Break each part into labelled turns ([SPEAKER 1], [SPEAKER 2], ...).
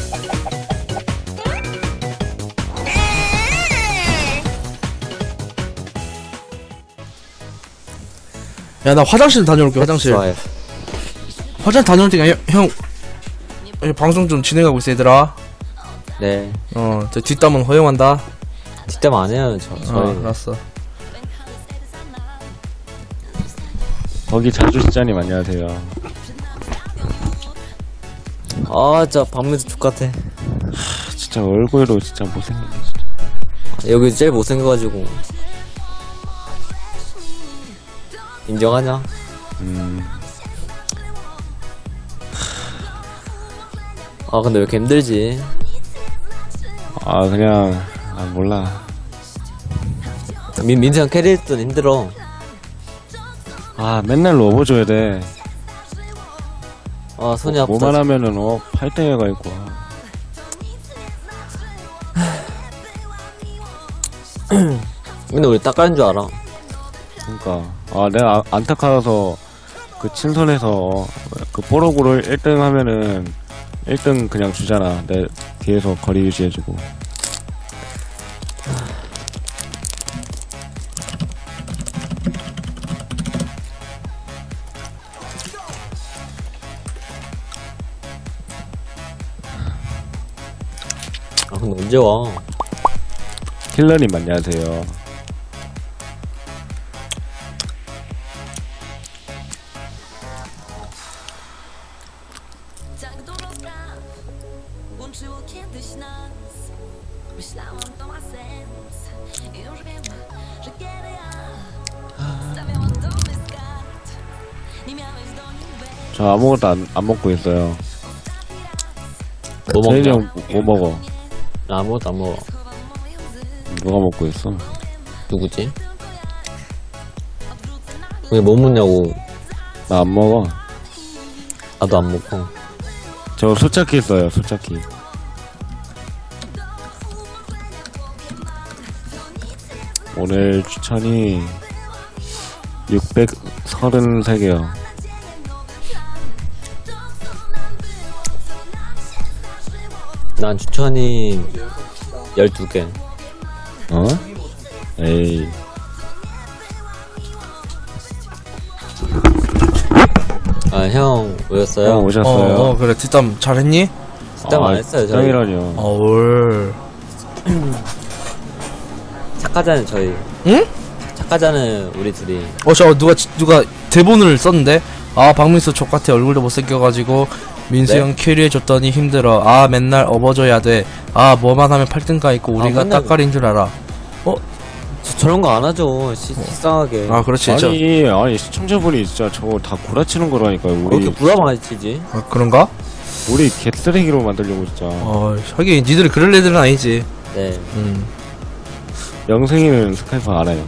[SPEAKER 1] 야, 나 화장실 다녀올게. 화장실.
[SPEAKER 2] 좋아요.
[SPEAKER 1] 화장실 다녀올 테니까 형 방송 좀 진행하고 있어 얘들아.
[SPEAKER 2] 네.
[SPEAKER 1] 저 뒷담은 허용한다.
[SPEAKER 2] 뒷담 안 해요. 저희.
[SPEAKER 1] 알았어.
[SPEAKER 3] 거기 자주 시장님 안녕하세요.
[SPEAKER 2] 아, 진짜 박민수 족같아.
[SPEAKER 3] 진짜 얼굴로 진짜 못생겼네.
[SPEAKER 2] 여기 제일 못생겨가지고. 인정하냐? 아, 근데 왜 이렇게 힘들지?
[SPEAKER 3] 아 그냥 몰라.
[SPEAKER 2] 민수 형 캐리할 때는 힘들어.
[SPEAKER 3] 아 맨날 업어줘야 돼.
[SPEAKER 2] 아, 손이 아프다.
[SPEAKER 3] 뭐만 하면은 팔등해가 있고.
[SPEAKER 2] 근데 우리 닦아는 줄 알아.
[SPEAKER 3] 그러니까 내가 안타까워서 그 친선에서 그 뽀록으로 1등 하면은 1등 그냥 주잖아. 내 뒤에서 거리 유지해주고.
[SPEAKER 2] 아, 근데 언제 와?
[SPEAKER 3] 킬러님 안녕하세요. 저 아무것도 안 먹고 있어요.
[SPEAKER 2] 뭐
[SPEAKER 3] 제인이
[SPEAKER 2] 먹냐?
[SPEAKER 3] 형 뭐 먹어?
[SPEAKER 2] 나 아무것도 안 먹어.
[SPEAKER 3] 누가 먹고 있어?
[SPEAKER 2] 누구지? 왜 뭐 먹냐고.
[SPEAKER 3] 나 안 먹어.
[SPEAKER 2] 나도 안 먹고.
[SPEAKER 3] 저 소차키 있어요. 소차키. 오늘 추천이 633개요.
[SPEAKER 2] 난 추천이 12개.
[SPEAKER 3] 어? 에이.
[SPEAKER 2] 아, 형 오셨어요?
[SPEAKER 3] 형 오셨어요?
[SPEAKER 1] 그래. 뒷담 잘했니?
[SPEAKER 2] 뒷담 안 했어요, 저희.
[SPEAKER 3] 뒷담이라뇨.
[SPEAKER 1] 올.
[SPEAKER 2] 착하잖아요, 저희.
[SPEAKER 1] 응?
[SPEAKER 2] 착하잖아요, 우리 둘이.
[SPEAKER 1] 누가 대본을 썼는데, 박민수 족같아. 얼굴도 못생겨가지고 민수
[SPEAKER 2] 네?
[SPEAKER 1] 형 캐리해줬더니 힘들어. 맨날 업어줘야 돼. 뭐만 하면 8등가 있고 우리가
[SPEAKER 2] 맨날
[SPEAKER 1] 따까리인 줄 알아.
[SPEAKER 2] 저런 거 안 하죠. 식상하게.
[SPEAKER 1] 그렇지.
[SPEAKER 3] 아니 시청자분이 진짜 저거 다 구라치는 거라니까요.
[SPEAKER 2] 왜
[SPEAKER 3] 우리
[SPEAKER 2] 이렇게 부담 많이 치지?
[SPEAKER 1] 그런가?
[SPEAKER 3] 우리 개쓰레기로 만들려고 진짜.
[SPEAKER 1] 하긴 니들이 그럴 애들은 아니지.
[SPEAKER 2] 네.
[SPEAKER 3] 영생이는 스카이프 알아요.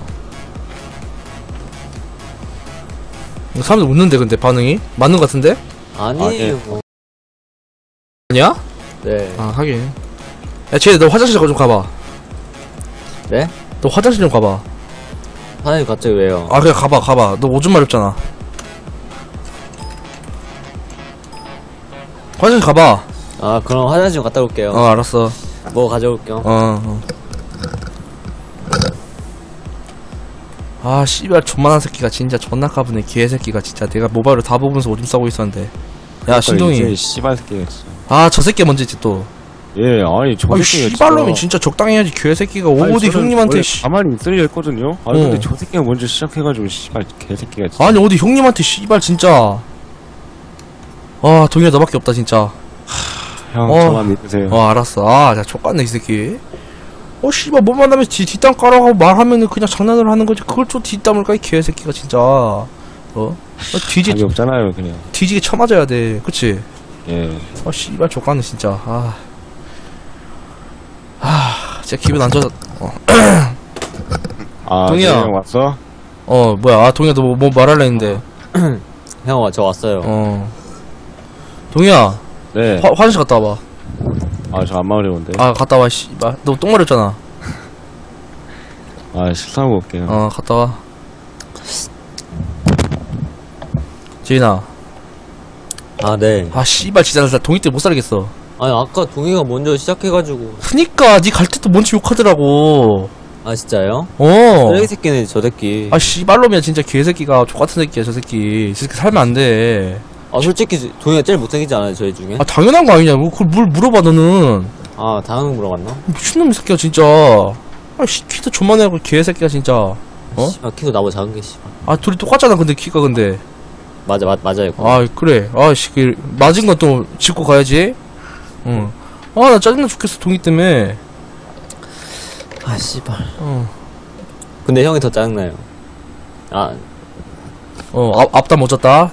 [SPEAKER 1] 사람들 웃는데 근데 반응이? 맞는 것 같은데?
[SPEAKER 2] 아니에요.
[SPEAKER 3] 네.
[SPEAKER 1] 아니야?
[SPEAKER 2] 네.
[SPEAKER 1] 하긴. 야, 쟤, 너 화장실 좀 가봐.
[SPEAKER 2] 네?
[SPEAKER 1] 너 화장실 좀 가봐.
[SPEAKER 2] 사장님 갑자기 왜요?
[SPEAKER 1] 그냥 가봐. 너 오줌 마렵잖아. 화장실 가봐.
[SPEAKER 2] 그럼 화장실 좀 갔다 올게요.
[SPEAKER 1] 알았어.
[SPEAKER 2] 뭐 가져올게요.
[SPEAKER 1] 씨발, 존만한 새끼가 진짜 존나 까부네. 개새끼가 진짜. 내가 모바일을 다 보면서 오줌 싸고 있었는데. 야, 신동이.
[SPEAKER 3] 이제 씨발 새끼가 진짜.
[SPEAKER 1] 저 새끼 먼저지 또.
[SPEAKER 3] 예, 아니 저 새끼가
[SPEAKER 1] 씨발놈이 진짜 적당히 해야지. 개새끼가 어디 형님한테
[SPEAKER 3] 가만히 있으려 했거든요. 근데 저 새끼가 먼저 시작해가지고 씨발 개새끼가 진짜.
[SPEAKER 1] 어디 형님한테 씨발 진짜. 동이야 너밖에 없다 진짜.
[SPEAKER 3] 형 저만 믿으세요.
[SPEAKER 1] 알았어. 자 족같네 이 새끼. 씨발 뭐만 하면 뒷담 깔아가고 말하면은 그냥 장난을 하는 거지. 그걸 또 뒷담을 까 이 개새끼가 진짜.
[SPEAKER 3] 답이 없잖아요 그냥.
[SPEAKER 1] 뒤지게 쳐맞아야 돼. 그치?
[SPEAKER 3] 예.
[SPEAKER 1] 씨발 족같네 진짜. 진짜 기분 안 좋아. 동이야.
[SPEAKER 3] 형 왔어?
[SPEAKER 1] 뭐야. 동이야 너 뭐 말할래 했는데.
[SPEAKER 2] 형, 저 왔어요.
[SPEAKER 1] 동이야.
[SPEAKER 3] 네.
[SPEAKER 1] 화장실 갔다 와봐.
[SPEAKER 3] 저 안 마려운데.
[SPEAKER 1] 갔다 와 씨발. 너 똥 마렸잖아.
[SPEAKER 3] 식사하고 올게요.
[SPEAKER 1] 갔다 와. 지인아.
[SPEAKER 2] 네.
[SPEAKER 1] 씨발 진짜 나 동이 때 못 살겠어.
[SPEAKER 2] 아니, 아까 동이가 먼저 시작해가지고.
[SPEAKER 1] 그니까 니 갈 때도 먼저 욕하더라고.
[SPEAKER 2] 아, 진짜요?
[SPEAKER 1] 어.
[SPEAKER 2] 쓰레기 새끼네, 저 새끼.
[SPEAKER 1] 아 씨발놈이야 진짜 개새끼가 족같은 새끼야 저 새끼. 저 새끼 살면 안 돼.
[SPEAKER 2] 아, 솔직히 동이가 제일 못생기지 않아요, 저희 중에?
[SPEAKER 1] 아 당연한 거 아니냐. 그걸 뭘 물어봐 너는.
[SPEAKER 2] 아, 다음 물어봤나?
[SPEAKER 1] 미친놈 이 새끼야 진짜. 아씨 키도 존만해고 개새끼야 진짜. 어?
[SPEAKER 2] 씨발, 키도 나보다 작은 게, 씨발.
[SPEAKER 1] 아 둘이 똑같잖아 근데 키가 근데.
[SPEAKER 2] 맞아요.
[SPEAKER 1] 아 그래. 아씨 그 맞은 건 또 짚고 가야지. 응. 아 나 짜증나 죽겠어 동이 때문에.
[SPEAKER 2] 아, 씨발.
[SPEAKER 1] 어.
[SPEAKER 2] 근데 형이 더 짜증나요. 아,
[SPEAKER 1] 앞다 못 잤다.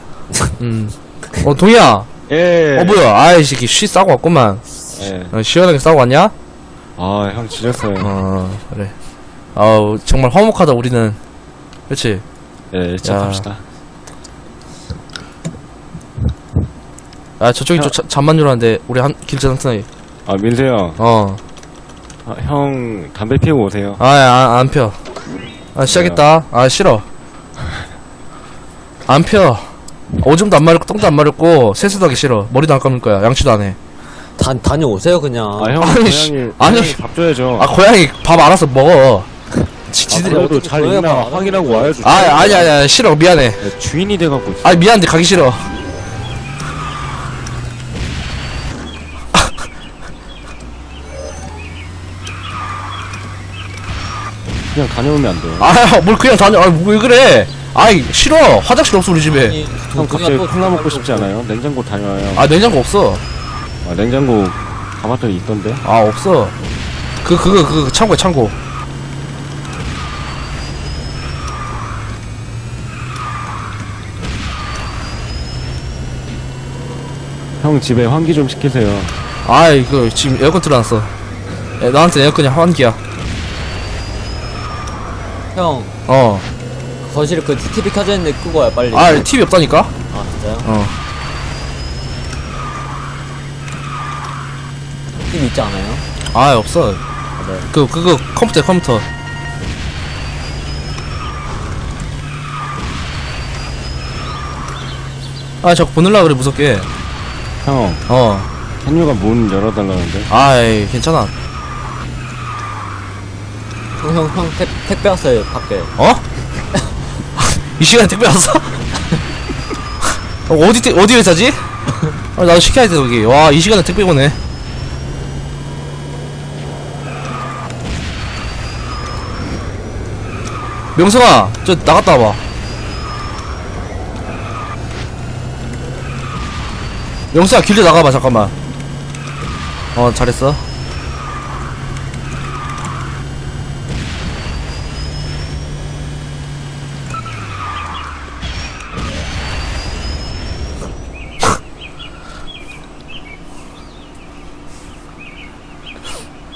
[SPEAKER 1] 동이야.
[SPEAKER 3] 예.
[SPEAKER 1] 뭐야. 아이 새끼 쉬 싸고 왔구만.
[SPEAKER 3] 예.
[SPEAKER 1] 시원하게 싸고 왔냐?
[SPEAKER 3] 아, 형 지렸어요.
[SPEAKER 1] 그래. 아우 정말 화목하다 우리는. 그렇지.
[SPEAKER 3] 예, 시작합시다.
[SPEAKER 1] 아 저쪽이 좀 잠만 주라는데 우리 한 길자 한타이.
[SPEAKER 3] 아, 민세 형. 아, 형 담배 피우고 오세요.
[SPEAKER 1] 안 펴. 아 시작했다. 아 싫어. 안 펴. 오줌도 안 마렵고 똥도 안 마렵고 세수도 하기 싫어. 머리도 안 감을 거야. 양치도 안 해.
[SPEAKER 2] 다녀오세요, 그냥.
[SPEAKER 3] 아, 형
[SPEAKER 1] 아니, 씨.
[SPEAKER 3] 고양이 밥 줘야죠.
[SPEAKER 1] 아 고양이 밥 알아서 먹어. 지들이.
[SPEAKER 3] 그래도
[SPEAKER 2] 어떻게
[SPEAKER 3] 잘
[SPEAKER 2] 고양이가
[SPEAKER 3] 있나
[SPEAKER 2] 안
[SPEAKER 3] 확인하고 와야죠.
[SPEAKER 1] 아니야 싫어 미안해.
[SPEAKER 3] 예, 주인이 돼갖고.
[SPEAKER 1] 아 미안한데 가기 싫어.
[SPEAKER 3] 그냥 다녀오면 안 돼요.
[SPEAKER 1] 뭘 그냥 다녀. 왜 그래. 아이 싫어. 화장실 없어 우리 집에.
[SPEAKER 2] 아니,
[SPEAKER 3] 형
[SPEAKER 2] 동이가
[SPEAKER 3] 갑자기
[SPEAKER 2] 또
[SPEAKER 3] 콜라 먹고 싶지 않아요? 냉장고 다녀와요.
[SPEAKER 1] 냉장고 없어.
[SPEAKER 3] 아, 냉장고 가봤더니 있던데.
[SPEAKER 1] 없어. 그거 창고야 창고.
[SPEAKER 3] 형 집에 환기 좀 시키세요.
[SPEAKER 1] 이거 지금 에어컨 틀어놨어. 나한테 에어컨이 환기야.
[SPEAKER 2] 형, 거실에 그 TV 켜져 있는데 끄고 와요, 빨리.
[SPEAKER 1] TV 없다니까?
[SPEAKER 2] 아, 진짜요? TV 있지 않아요?
[SPEAKER 1] 없어.
[SPEAKER 2] 네.
[SPEAKER 1] 그거 컴퓨터. 자꾸 보늘라 그래 무섭게.
[SPEAKER 3] 형, 현유가 문 열어달라는데.
[SPEAKER 1] 괜찮아.
[SPEAKER 2] 형, 택배 왔어요, 밖에.
[SPEAKER 1] 이 시간에 택배 왔어? 어디 회사지? 나도 시켜야 돼 거기. 와 이 시간에 택배 오네. 명성아 저 나갔다 와봐. 명성아 길드 나가봐 잠깐만. 잘했어.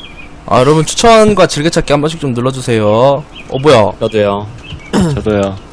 [SPEAKER 1] 여러분 추천과 즐겨찾기 한 번씩 좀 눌러주세요. 뭐야.
[SPEAKER 2] 저도요.
[SPEAKER 3] 저도요.